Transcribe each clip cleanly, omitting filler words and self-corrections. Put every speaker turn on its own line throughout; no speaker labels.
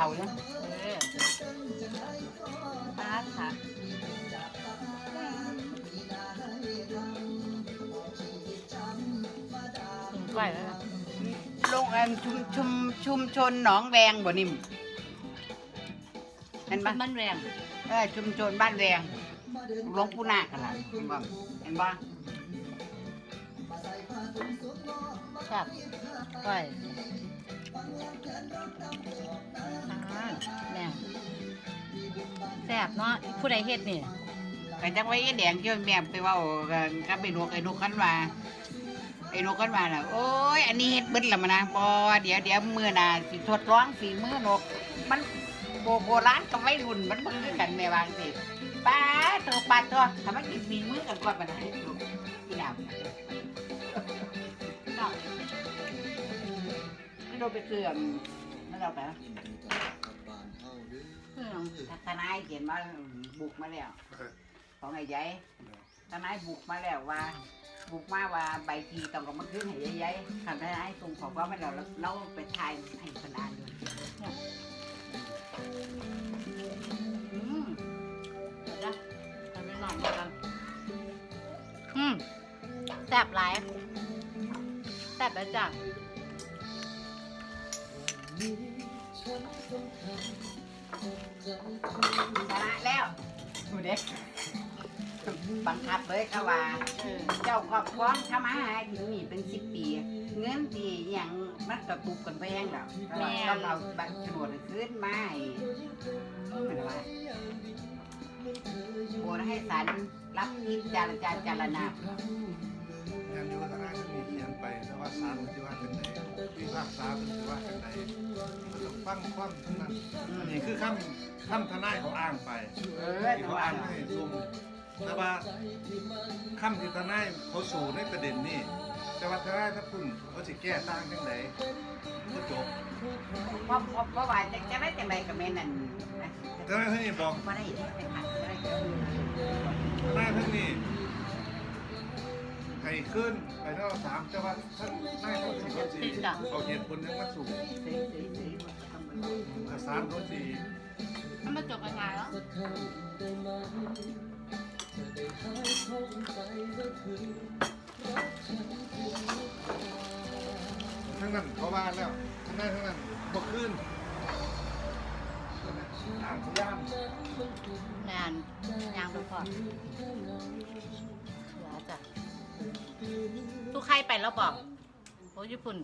เขาอยู่
ปาดค่ะถึงไก่แล้ว
โรงชุมชนหนองแวงบ่นิ่มเห็นปะ
มันแรง
ชุมชนบ้านแวงหลวงปู่นาคกันล่ะเห็นบ่เห็นบ่
ครับไก่แรงแซ่บเนาะผู้ใดเฮ็ดนี่
ก็จังไว้แดงเกี่ยวแม่ไปเว้ากันกับไอ้นกคันว่าน่ะโอ้ยอันนี้เฮ็ดเบิดแล้วมานะบ่เดี๋ยวมื้อหน้าสิทดลองฝีมือนกมันโบราณกับวัยรุ่นมันบ่คือกันแม่วาจังซี่ป้าโตถ้ามันกินฝีมือกันก่อนปานนั้นลูกพี่ดาวไม่โดนไปเกลือนั่นเราไปทนายเขียนมาบุกมาแล้วของไอ้ยัยทนายบุกมาแล้วว่าบุกมาว่าใบทีต้องกับมันขึ้นให้ยัยทนายส่งของว่าไม่เราไปทายให้คนอ่านดู
เดี๋ยวนะทำไปหน่อยกันแซ่บหลายแซ่บแล้วจ้ะ
ชนะแล้วดูเด็กบังคับเลยเขาว่าเจ้าครอบครองทำอาหารกินนี่เป็น10 ปีเงินที่อย่างมันกระตุกกันแพงแล้วต้องเอาบัตรโฉนดขึ้นมาเป็นว่าโอนให้ศาลรับพิจารณา
งานอยู่ทนายมันมีเขียนไปแต่ว่าศาลมันจะว่าเป็นไหนวิพากษามันจะว่าเป็นไหนมันต้องฟังความทั้งนั้นอันนี้คือคำทนายเขาอ้างไปที่เขาอ้างให้ซุ่มแต่ว่าคำที่ทนายเขาสู่ในประเด็นนี้แต่ว่าทนายถ้าพุ่นเขาจะแก้ต่างจังไหนก็จบ
เพราะว่าจะได้จังไรกับแม่นั่น
ทนายท่านนี้บอก
ว่าได้ไปผ่านได้
ทนายท่านนี้ให้ขึ้นไปเท่า3แต่ว่าท่านนายท่านสิเขาสิเอาเหตุผลยังมาสู่ศาลเขาสิ
มันมาจบยังไงแล้ว
ทั้งนั้นเขาว่าแล้วทั้งนั้นบ่ขึ้นตามพยายาม
งานยางไปก่อนเดี๋ยวจ้ะตู้ใครไปแล้วบอกโอ้ญี่ปุ่น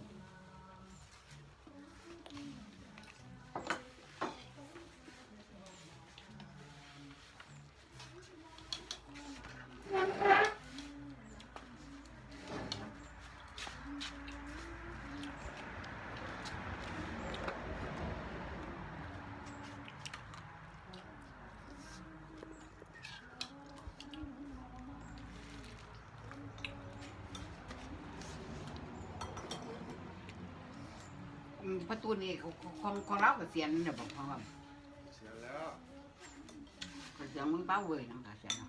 ประตูนี่ของเราก็เสียนเนี่ยบอกเขาว่า
เสียแล้ว
ก็เสียงมึงเป้าเว้ยน้องก็เสียน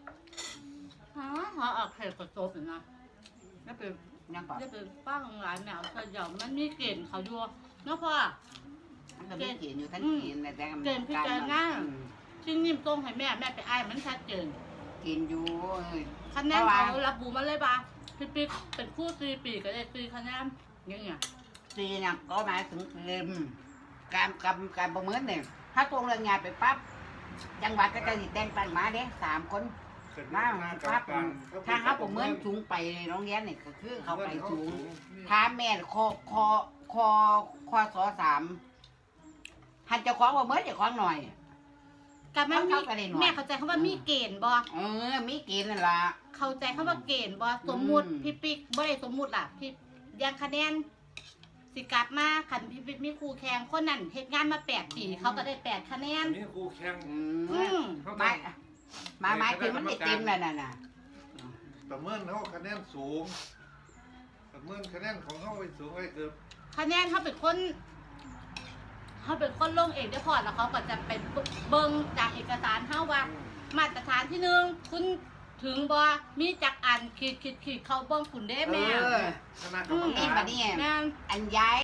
เขาออกเพลงกระโจบนะ
แล้วเป็นยังก่อน
จะเป็นป้าของหลานแมวเธอเดี๋ยวมันมีเกณฑ์เขาอยู่เนาะพ่อ
มันก็มีเขียนอยู่ท่านเขียนแต่
ซึ่งนิ่มตรงให้แม่ไปอ้ายมันชัดเจน
เขียนอยู่
คะแนนเขารับบูมาเลยป่ะพี่ปิ๊กเป็นคู่4 ปีก็ได้4 คะแนนอย่างเงี้ย
ตีเนี่ยก็หมายถึงการประเมินเนี่ยถ้าตรงเรื่องงานไปปั๊บจังหวัดก็จะแต่งตั้งมาเด้3 คนมาปั๊บถ้าเขาประเมินสูงไปโรงเรียนเนี่ยก็คือเขาไปสูงถ้าแม่คอส3หันเจ้าของประเมินเจ้าของหน่อย
กับมันมีแม่เข้าใจเขาว่ามีเกณฑ์บ่
มีเกณฑ์นั่นล่ะ
เข้าใจเขาว่าเกณฑ์บ่สมมุติพี่ปิ๊กบ่ได้สมมุติล่ะพี่ยังคะแนนสิกลับมาคันพี่ปิ๊กมีครูแข่งคนนั้นเฮ็ดงานมา8 ปีเขาก็ได้8 คะแนน
มีครูแข่ง
หมายถึงมันได้เต็มแล้วน่ะ
ประเมินเขาคะแนนสูงประเมินคะแนนของเขาไว้สูงไว้เกือบ
คะแนนเขาเป็นคนลงเองได้พอแล้วเขาก็จะเป็นเบิ่งจากเอกสารเฮาว่ามาตรฐานที่1คุณถึงบ่มีจักอันขีดเขาเบิ่งคุณได้แม่
คณะกรรมการ
อันย้าย